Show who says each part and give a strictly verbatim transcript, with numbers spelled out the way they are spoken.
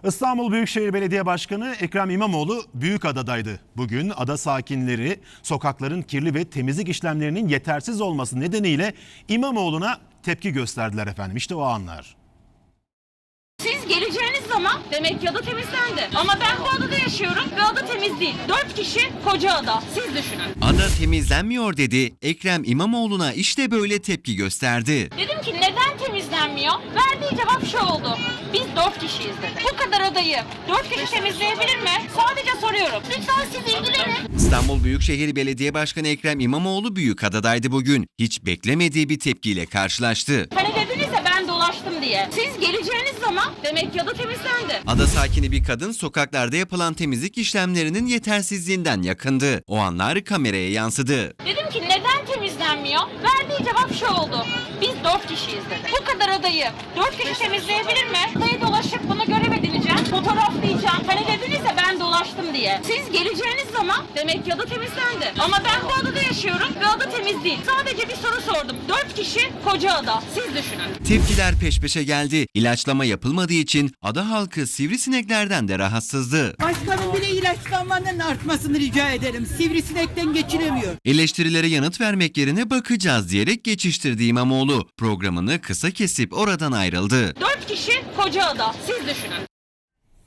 Speaker 1: İstanbul Büyükşehir Belediye Başkanı Ekrem İmamoğlu Büyükada'daydı. Bugün ada sakinleri sokakların kirli ve temizlik işlemlerinin yetersiz olması nedeniyle İmamoğlu'na tepki gösterdiler efendim. İşte o anlar.
Speaker 2: Siz geleceğiniz zaman demek ki ada temizlendi. Ama ben bu adada yaşıyorum ve ada temiz değil. Dört kişi koca ada. Siz düşünün.
Speaker 3: Ada temizlenmiyor dedi. Ekrem İmamoğlu'na işte böyle tepki gösterdi.
Speaker 2: Dedim ki neden temizlenmiyor? Verdiği cevap şu oldu. Biz dört kişiyiz dedi. Bu kadar adayı dört kişi temizleyebilir mi? Sadece soruyorum. Lütfen siz ilgilenin.
Speaker 3: İstanbul Büyükşehir Belediye Başkanı Ekrem İmamoğlu Büyükada'daydı bugün. Hiç beklemediği bir tepkiyle karşılaştı.
Speaker 2: Hani dediniz ya ben dolaştım diye. Siz geleceğiniz zaman demek ki ada temizlendi.
Speaker 3: Ada sakini bir kadın sokaklarda yapılan temizlik işlemlerinin yetersizliğinden yakındı. O anlar kameraya yansıdı.
Speaker 2: Dedim ki neden temizlenmiyor? Verdiği cevap şu oldu. Biz dört kişiyiz dedi. Bu kadar adayı dört kişi temizleyebilir mi? Adayı dolaşıp bunu görev edineceğim. Fotoğraflayacağım. Hani dediniz ya ben dolaştım diye. Siz geleceğiniz zaman demek ki ada temizlendi. Ama ben bu adada yaşıyorum ve ada temiz değil. Sadece bir soru sordum. Dört kişi koca ada. Siz düşünün.
Speaker 3: Tepkiler peş peşe geldi. İlaçlama yapılmadığı için ada halkı sivrisineklerden de rahatsızdı.
Speaker 4: Başkanım bile ilaçlanmanın artmasını rica ederim. Sivrisinekten geçiremiyor.
Speaker 3: Eleştirilere yanıt vermek yerine bakacağız diyerek geçiştirdi İmamoğlu. Programını kısa kesip oradan ayrıldı.
Speaker 2: Dört kişi koca ada. Siz düşünün.